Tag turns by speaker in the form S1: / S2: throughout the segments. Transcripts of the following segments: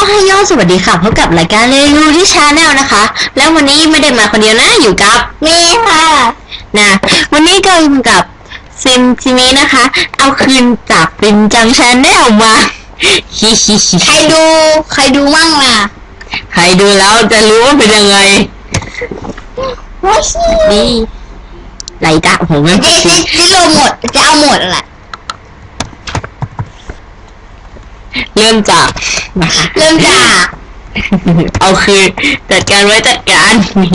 S1: ให้ยอดสวัสดีค่ะพบกับรายการเรียนรู้ที่ชาแนลนะคะแล้ววันนี้ไม่ได้มาคนเดียวนะอยู่กับ
S2: เมย์ค่ะ
S1: นะวันนี้ก็อยู่กับซิมจิเมนะคะเอาคืนจากฟินจังชาแนลมาฮิฮิฮิ
S2: ใครดูมั่งล่ะ
S1: ใครดูแล้วจะรู้ว่าเป็นยังไง
S2: ว้าว
S1: นี่ไรจ้ะผมไม่
S2: จะลงหมดจะเอาหมดแหละ
S1: เริ่มจากเอาคืนจัดการไว้จัดการ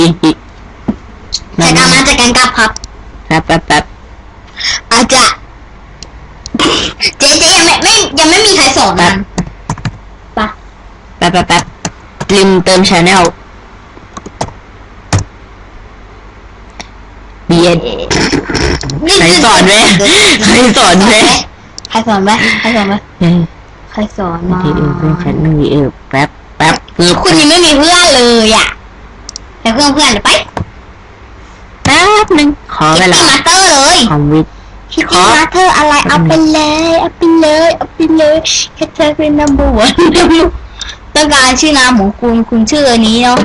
S2: จัดการมาจัดการกลับครับ
S1: แป๊บ
S2: อาจจะเจ๊ยังไม่มีใครสอนมันปะ
S1: แป๊บลิมเติมชาแนลเบียดใครสอนไหมใครสอนมา
S2: ใครสอนมา
S1: ทีเป็นฉันมีแป๊บ
S2: คุณยังไม่มีเพื่อนเลยอ่ะแต่เพื่อนเดี๋ยวไป
S1: แป๊บนึงขอเวลา
S2: มาเตอร์เลย
S1: คอมวิท
S2: คิดมาเตอร์อะไรเอาไปเลยแค่เธอเป็น number one ต้องการชื่อนามของคุณชื่ออันนี้เนาะ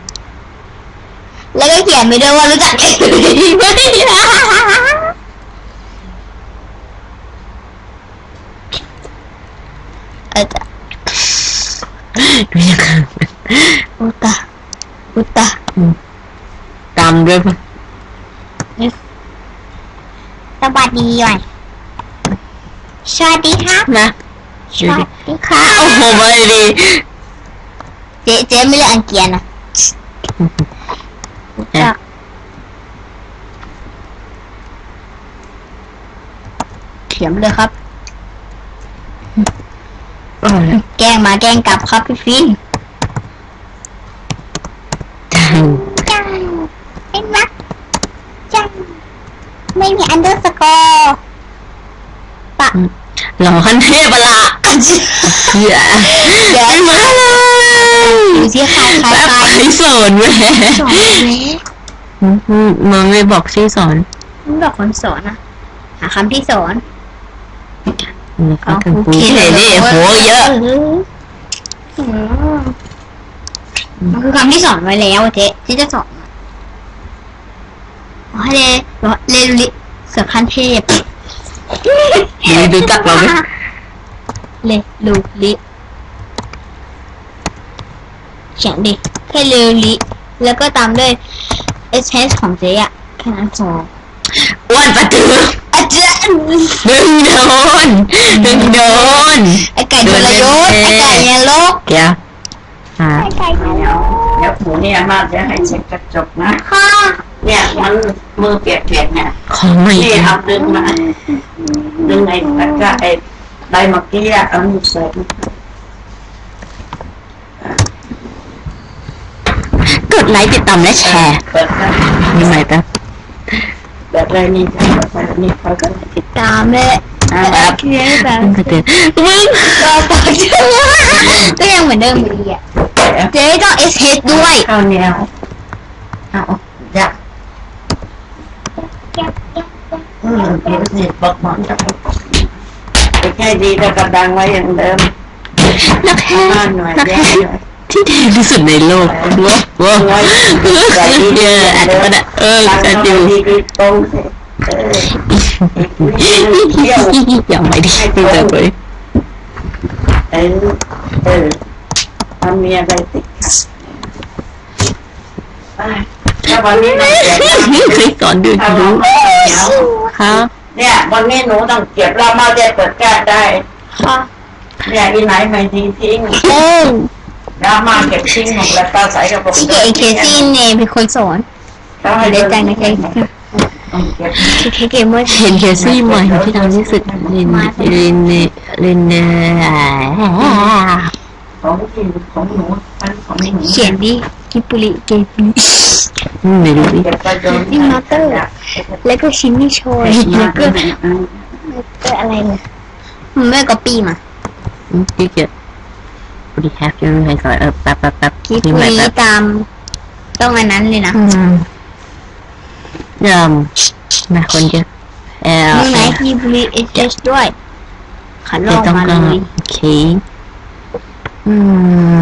S2: แล้วก็เขียนไปด้วยว่ารู้จักไหม
S1: ดูยังไง
S2: อุตะ
S1: ตามด้วยป่ะ
S2: สวัสดีก่อนสวัสดีครับ
S1: นะ
S2: สวัสดีค่ะ
S1: โอ้โหไม่ดี
S2: เจ๊ไม่เรียกอังเกียนะเขียนเลยครับแกล้งมาแกล้งกลับครับพี่ฟินจังเห็นไหมจังไม่มีอันเดอร์สกอร์ปะ
S1: หล่อขั้นเทพละเดี๋ยวมาเลย
S2: ดูสิใคร
S1: สอนแม่มันไม่บอกชื่อสอน
S2: มันบอกคนสอนนะหาคำที่สอน
S1: ก็คือปูเฉยดิโหเยอะ
S2: มันคือคำที่สอนไว้แล้วเจ๊ที่จะสอนให้เลลิเสือขั้นเทพ
S1: ดูจักเราไหม
S2: เลลูลิเขียนดิแค่เลลิแล้วก็ตามด้วย SS ของเจ๊อะแค่นั้นพอ
S1: อ้วนประตือ
S2: อาจารย์
S1: ดึงโดน
S2: ไอ้ไก่ทรยศไอ้ไก่เนี่ยลก
S1: เดี๋ยว
S2: ไอ้ไก่เนี่ย
S3: เดี๋ยวหูเนี่ยมาจะให้เช็คกระจกนะ
S2: ค่ะ
S3: เนี่ยมันมือเปียกเนี่ย
S1: ของไม่
S3: นี่เอาดึงมาดึงไอ้ตะกร้าไอ้ใบเมื่อกี้อะเอามือใส่
S1: กดไลค์ติดตามและแชร์นี่ไหมแป๊บ
S3: แบบไรนี่นี่เขาก็
S2: ติดตามเลย
S1: แบบ
S2: มึงก็ปากเชื่อก็ยังเหมือนเดิมอยู่ดีอ่ะเจ๊ต้อง SS ด้วย
S3: เอาแนวเอาอยากนี่บอกหมอนกับแค่ดีแต่กระดังไว้อย่างเดิม
S1: นักแค่ที่ดีที่สุดในโลกว้าวอัดมันจะดูอย่างไม่ดีเลย
S3: ทำมีอะไรติดถ้าวันนี้เรา
S1: เคยสอนดูรู้ครับ
S3: เนี่ยวันนี้หนูต้องเก็บเรามาจะเปิดแก้ได้
S2: ค่ะ
S3: เนี่ยอีไหนไม่ดีทิ้งเรามาเก็บทิ้งหมดแล้วก็ใส่กระปุก
S2: ที่เคซี่เนี่ยเป็นคนสอนเด็กจังนะเคซี่เมื่อ
S1: เห็นเคซี่ใหม่ที่ทำที่สุดเรียน
S3: ของหนู
S2: เขียนดิกิปุริเกปิ
S1: ไม่รู้ดิ
S2: นี่มาเตอร์แล้วก็ชินนี่โชยแล้วก็อะไรเนี่ยมันไม่ก็ปีมา
S1: ที่เกียรติแฮปปี้ให้สอนแป๊บ
S2: คิดปุริตามต้องอันนั้นเลยนะ
S1: นะคนเยอะ
S2: นี่ไหนคิปุริเอชด้วยขันลงมาเลย
S1: โอเค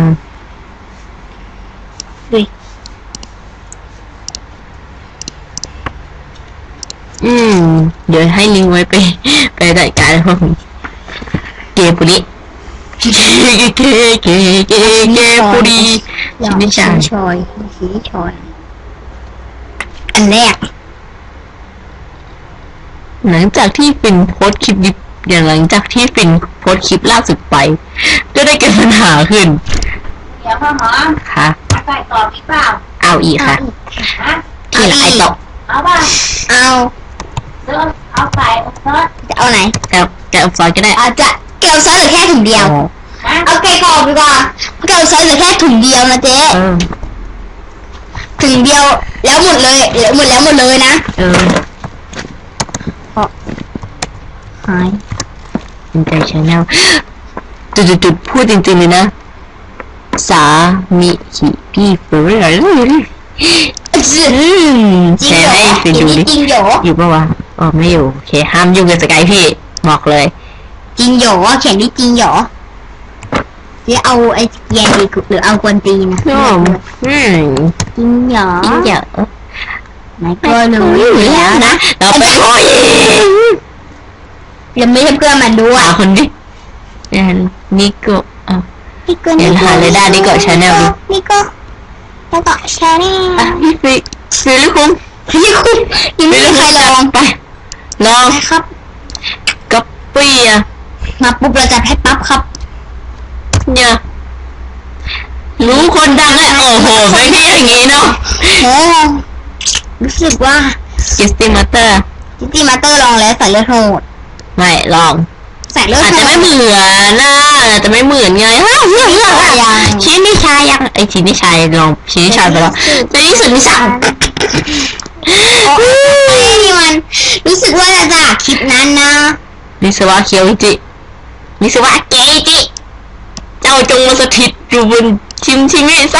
S1: ดี๋ยวให้ลิงก์ไว้ไปจัดการพวกเกปุริเกปุริ
S2: อย่า
S1: ชินิชา
S2: ชอยสีชอยอันแรก
S1: หลังจากที่ฟินโพสต์คลิปอย่างหลังจากที่ฟินโพสต์คลิปล่าสุดไปก็ได้เกิดปัญหาขึ้น
S3: เดี๋ยวพ่อหมอ
S1: ค่ะ
S3: ใส่ต่ออีกเปล่า
S1: เอาอีกค่ะ
S3: ฮะ
S1: ที่ละไอตก
S3: เอาป่ะ
S2: เอา
S3: เดี๋ยวเอาใส่เอาซอส
S2: จะเอาไหน
S1: จะเอาซอยก็ได้
S2: อาจจะเกลียวซอสเหลือแค่ถุงเดียว
S3: ฮะ
S2: เอาไก่กรอบดีกว่าเกลียวซอสเหลือแค่ถุงเดียวนะเจ๊
S1: เออ
S2: ถุงเดียวแล้วหมดเลยหมดเลยนะ
S1: เออ
S2: หาย
S1: เป็นใจชาแนลจุดพูดจริงๆเลยนะสามิฮิพี่เฟอร์รี่แชร์ให้ฟินดูดิ
S2: จริงโหย
S1: อยู่ปะวะอ๋อไม่อยู่โอเคห้ามยุ่งกับสกายพี่บอกเลย
S2: จริงโหยเขียนดิจริงโหยหรือเอาไอ้เกียร์ดีหรือเอากวนตีนนะ
S1: จริง
S2: จริงโหย
S1: จริงเยอะ
S2: ไหนก็รู้อยู่แล้วนะ
S1: เราไปโอย
S2: ยังไม่ใช่เพื่อนมันด้วย
S1: หาคนดินิโกอ่ะ
S2: นี่ก็
S1: เดี๋ยวหาเลยได้นี่ก็ channel ดิ
S2: นี่ก็แล้วก็ชาแนล
S1: อ่ะพี่ฟิลิคุง
S2: นี่คุณยังไม่มีใครลอง
S1: ไปลอง
S2: นะครับ
S1: กับปี้อ่ะ
S2: มาปุ๊บเราจะให้ปั๊บครับ
S1: เนี่ยรู้คนดังเลยโอ้โหไม่ใช่อย่างงี้เนาะ
S2: โอ้รู้สึกว่า
S1: กิสติมาเตอร์
S2: จิตี้มาเตอร์ลองแล้วใส่เลือดโหด
S1: ไม่ลอง
S2: ใส่เลือด
S1: อาจ
S2: โห
S1: จะ
S2: ด
S1: ไม่เหมือนนะอาจจะไม่เหมือนไงฮะชิ้นนิชายังไอชิ้นนิชาลองชิ้นนิชาไปแล้วในที่สุดนิชา
S2: นี่มันรู้สึกว่าจะจากคลิปนั้นนะ
S1: นิสวะเคียวจินิสวะเกจิเจ้าจงมาสถิตอยู่บนชิมิซะ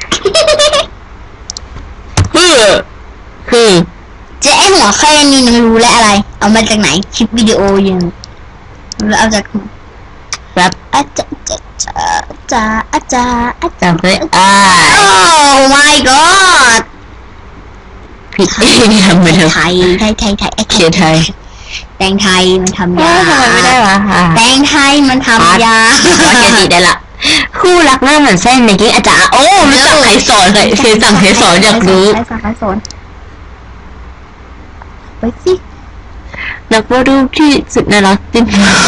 S1: คือ
S2: เจ๊ไอหัวแค่นี้นึงรู้แล้วอะไร เอามาจากไหนคลิปวิดีโอยังรู้เอาจาก
S1: แบบ
S2: อาจารย์อาจารย์
S1: จำได้
S2: โอ้ my god
S1: ผิดเองทำไม่ได้
S2: ไทย
S1: เขียนไทย
S2: แตงไทยมันทำ
S1: ทำ
S2: ยา
S1: ไมไม่ได้วะ
S2: แตงไทยมันทำยา
S1: ว่าเกจิได้ละคู่รักหน้าเหมือนเส้นในกี้อาจารย์โอ้รู้จักใครสอนเลยเคยสั่งใครสอนอยากรู้
S2: ใครสอนไปสิ
S1: นักวาดรูปที่สุดน่ารักจริง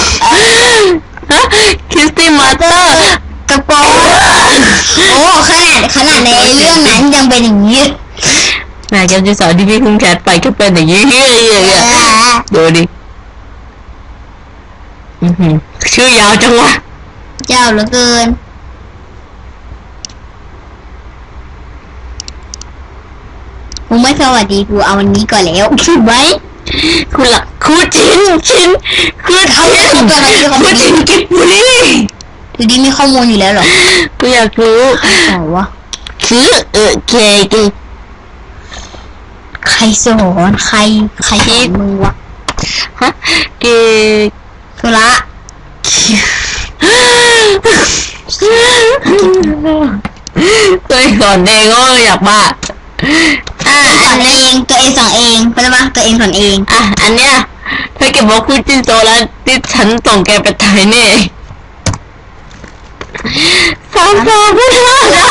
S1: คริสตี้มาเตอร์
S2: กระโปรงโอ้ขนาดในเรื่องนั้นยังเป็นอย่างนี้
S1: นายแกจะสอนที่พี่คุ้งแคทไปก็เป็นอย่างนี้ดูดิชื่อยาวจังวะ
S2: เจ้าเหลือเกินกูไม่สวัสดีกูเอาวันนี้ก่อนแล้วถูกไหม
S1: คุณละคูจินคือเขาคูจินกิบบุรี
S2: คือดีมีข้อมูลอยู่แล้วเหรอ
S1: กูอยากรู้
S2: อ๋อวะ
S1: คือเกจิ
S2: ใครสอนใครสอนมึงวะ
S1: ฮะเก
S2: สุระ
S1: ตัวเองสอนเองก็อยากบ้า
S2: สอนเองตัวเองสอนเองเข้าใจปะตัวเองสอนเอง
S1: อันเนี้ยถ้าเก็บบอกคูจินโตแล้วที่ฉันส่งแกไปตายแน่สามสองไม่ได้นะ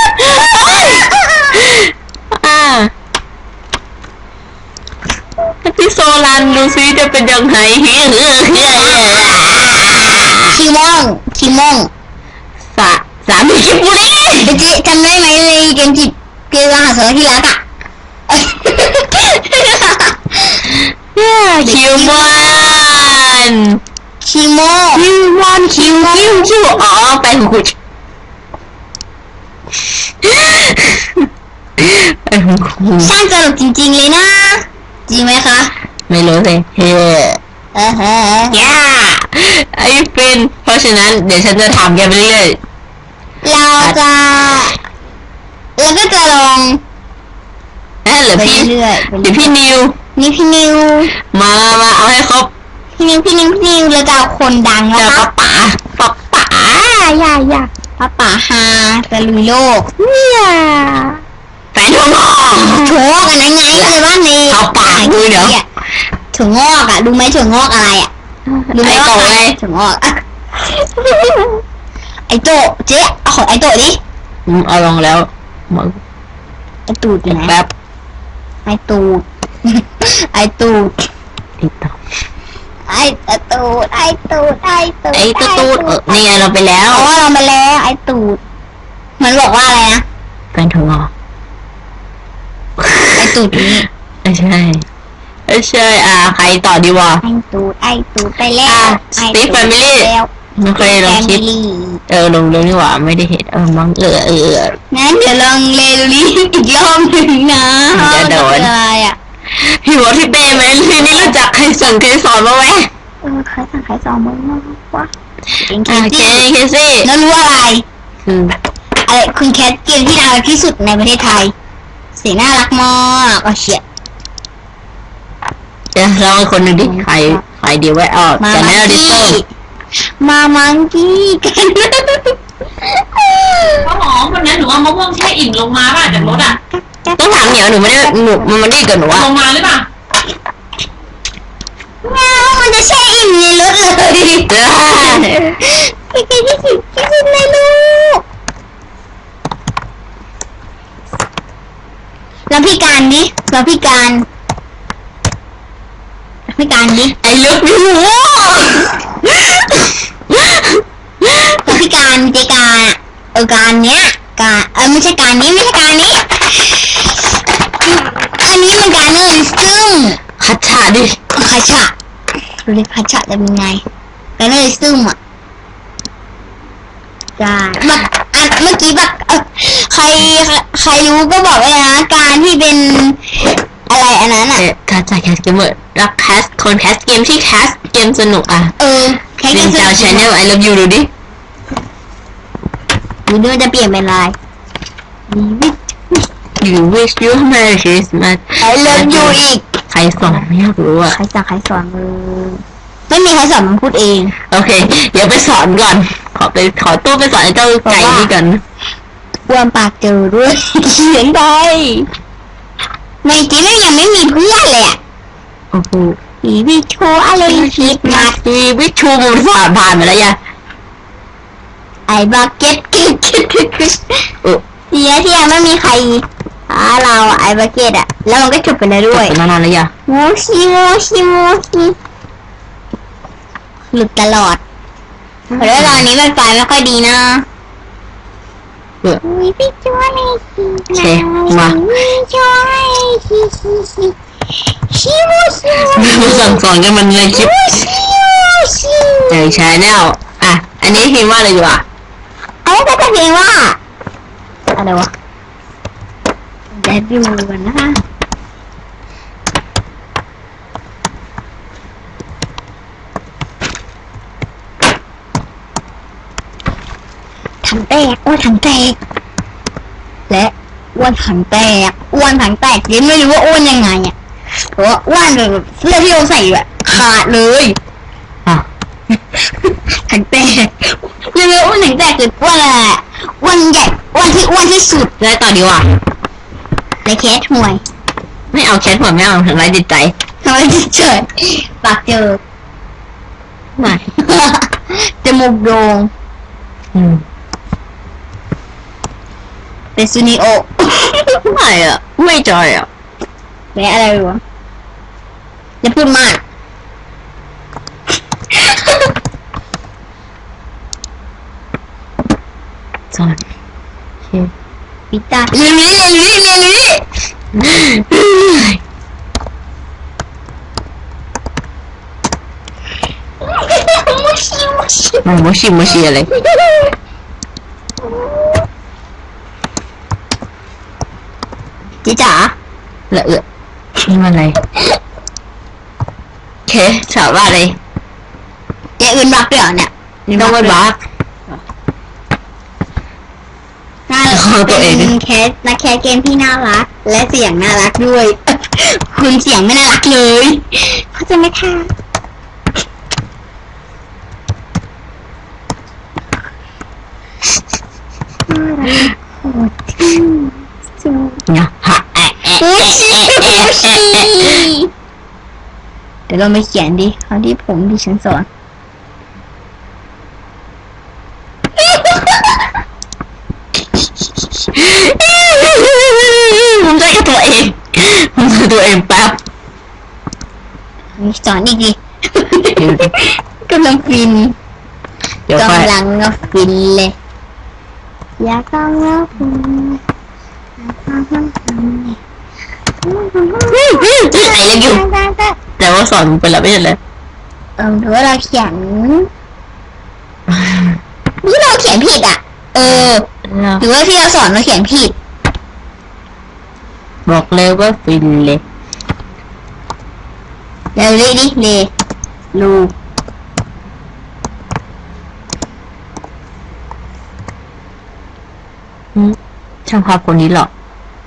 S1: ที่โซลันดูซิจะเป็นยังไง
S2: คิมอง
S1: สามีคิมบุรี
S2: จิจำได้ไหมเลยเกมจิตเกมมหาสารที่รักอ่ะ
S1: คิวมอนคิวอ๋อไปของคุณไปของคุณ
S2: สร้างตลกจริงๆเลยนะจริงไหมคะ
S1: ไม่รู้เลยเฮ้ย่าไอ้เป็นเพราะฉะนั้นเดี๋ยวฉันจะถามแกไปเรื่อย
S2: เราก็จะลอง
S1: เหรือ
S2: ไป
S1: พี่
S2: เรื่อยๆ
S1: เดี๋ยวพี่นิว
S2: นี่พี่นิว
S1: มาเอาให้ครบ
S2: พี่นิวเราจะเอาคนดังนะ
S1: จะ
S2: คะ
S1: ป๋า
S2: อย่าป๋าฮาจะลุยโลก
S1: แฟนทอง
S2: โชว์กันยังไงเลยว่าใน
S1: เขาปากดูเดี๋ยว
S2: ถั่วงอกอ่ะดูไหมถั่วงอกอะไรอ่ะดูไหม
S1: ไอ้โตไง
S2: ถั่วงอกอะไอโตเจ๊เอาของไอโตดิ
S1: เอาลองแล้วหมด
S2: ไอตูดอยู่ไหน
S1: แป๊บ
S2: ไอตูด ไอตูด
S1: ติดต่อ
S2: ไอตูดไอตูดไอตูด
S1: ไอ้ตูดนี่ไงเราไปแล้ว
S2: อ๋อเรามาแล้วไอตูดมันบอกว่าอะไรนะ
S1: เป็นถั่วงอก
S2: ไอตูดนี้
S1: ไม่ใช่ไม่ใช่ใครต่อดีวะ
S2: ไอตูดไปแล้ว
S1: Steve Family ไม่เคยลองคิดลงนี่หว่าไม่ได้เห็นมั้ง
S2: งั้นเดี๋ยวลองเลดูนี้อีกรอบหนึ่งนะ
S1: จะโดน
S2: อะไรอ่ะ
S1: พี่บอกพี่เป้ไหมพี่นี่รู้จักใครสั่งใครสอนมาไหม
S2: ใครสั่งใครสอนมึงวะ
S1: เคซี่
S2: แล้วรู้อะไร
S1: คือ
S2: อะไรคุณแคทเกมที่น่ารักที่สุดในประเทศไทยสีน่ารักมากเฉียด
S1: เดี๋ยวเราคนหนึ่งดิใครดีไว้กันแน่ดิโต้
S2: มามังกี้กัน
S4: ข้าวหอมวันนั้นหนูเอามะม่วงแช่อิ่มลงมาป่ะจากรถอ่ะ
S1: ต้องถามเหนียวหนูไม่ได้มันได้กับหนูว่า
S4: ลงมาหรือเปล่า
S2: ว้าวมันจะแช่อิ่มในรถเลยพี่ที่สุดในลูกแล้วพี่การดิแล้วพี่การดิ
S1: ไอ้เลิฟยู
S2: แล้วพี่การเจการการเนี้ยการไม่ใช่การนี้อันนี้มันการเนอร์ซึ่ง
S1: คัดฉาดิ
S2: คัชชะดูดิคัชชะจะเป็นไงการเนอร์ซึ่งอ่ะการแบบเมื่อกี้แบบใครรู้ก็บอกเลยนะการที่เป็นอะไรอันนั้นอ่ะ
S1: คัดฉาแคสเกมเมอร์รักแคสคนแคสเกมที่แคสเกมสนุก
S2: แค่
S1: เป็น
S2: จะ
S1: ดาวชาแนลไอเลิฟยูดูดิ
S2: ดูด้วยจะเปลี่ยนเป็นลาย
S1: You wish you Merry Christmas
S2: ไอเลิฟยูอีก
S1: ใครสอนไม่อยากรู้อ่ะ
S2: ใครสอนมือไม่มีใครสอนมันพูดเอง
S1: โอเคเดี๋ยวไปสอนก่อนขอตู้ไปสอนไอ้เจ้าไก่นี่กัน
S2: อ้วนปากเจอด้วยเขียนไปในจีนยังไม่มีเพื่อนเลยอ่ะ
S1: โอ้โห
S2: อีวิโชอะไรคิดมา
S1: ชีวิตชูมันผ่านมาแล้วยะ
S2: ไอ้บักเก็ตเสียที่ยังไม่มีใครเราไอ้บักเก็ตอ่ะแล้วมันก็จบไปแล้วด้วย
S1: เป็นนานแล้วยะ
S2: โมชิหลุดตลอดเพราะว่าตอนนี้มันไฟไม่ค่อยดีนะวิพี่ช่วยชิ
S1: สั่งสอนกันมันเลยคลิปเจอชาแนลอันนี้พิมพ์ว่าอะไรอยู่
S2: ก็จะเพลงว่าอะไรวะเดี๋ยวดูกันนะคะถังแตกถังแตกและอ้วนถังแตกยังไม่รู้ว่าอ้วนยังไงอ่ะเพราะว่าอ้วนแบบเสื้อที่เราใส่แบบขาดเลยถังแตกยังไม่อ้วนถังแตกคืออ้วนอะไรอ้วนใหญ่อ้วนที่สุด
S1: แล้วต่อดีกว่า
S2: ในแคสห่วย
S1: ไม่เอาแคทหัวไม่เอาทำร้ายจิตใจ
S2: ทำไมเฉยปากเจอ
S1: ไม่
S2: จมูกโด่ง เป็นซูนิโอ
S1: ไม่จอย
S2: แม่อะไรวะอย่าพูดมาก
S1: จอย
S2: ปิตาเรียน
S1: โมชิอะไร
S2: จิจ๋า
S1: นี่มันอะไรเคถามว่าอะไร
S2: เจ๊อื่นบักเดี๋ยวเนี่ย
S1: ต้องไปบัก
S2: เป็นแคสนักแคสเกมที่น่ารักและเสียงน่ารักด้วยคุณเสียงไม่น่ารักเลยเขาจะไม่ค่ะ
S1: เนี่ยฮะ
S2: โมชิดี๋ยวเราไปเขียนดิคราวที่ผมดิฉันสอน
S1: ผมจะกับตัวเองผมจะตัวเองแป๊บ
S2: สอนอีกดิ กำลังฟิน
S1: เดี๋ยวค่อย
S2: กำลังฟินเลยอยากกำลังฟิน
S1: ไอ้ยังอยู่แต่ว่าสอนไปแล้วไม่ใช่เลย
S2: หรือว่าเราเขียนนี่เราเขียนผิดอ่ะ หรือว่าที่เราสอนเราเขียนผิด
S1: บอกเลยว่าฟินเลย
S2: เร็วเลยดิเลลู
S1: ช่างภาพคนนี้หรอก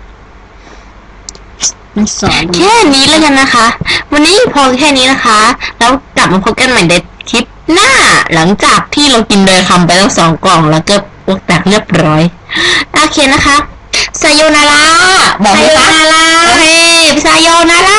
S2: มันสอน
S1: แค่นี้แล้วกันนะคะ วันนี้พอแค่นี้นะคะ แล้วกลับมาพบกันใหม่ในคลิปหน้า หลังจากที่เรากินโดยคำไปทั้ง2 กล่องแล้วก็พวกแตกเรียบร้อยโอเคนะคะไซโยนาราบอกเลยค่ะ
S2: ไซโยนารา
S1: โอเคไซโยนารา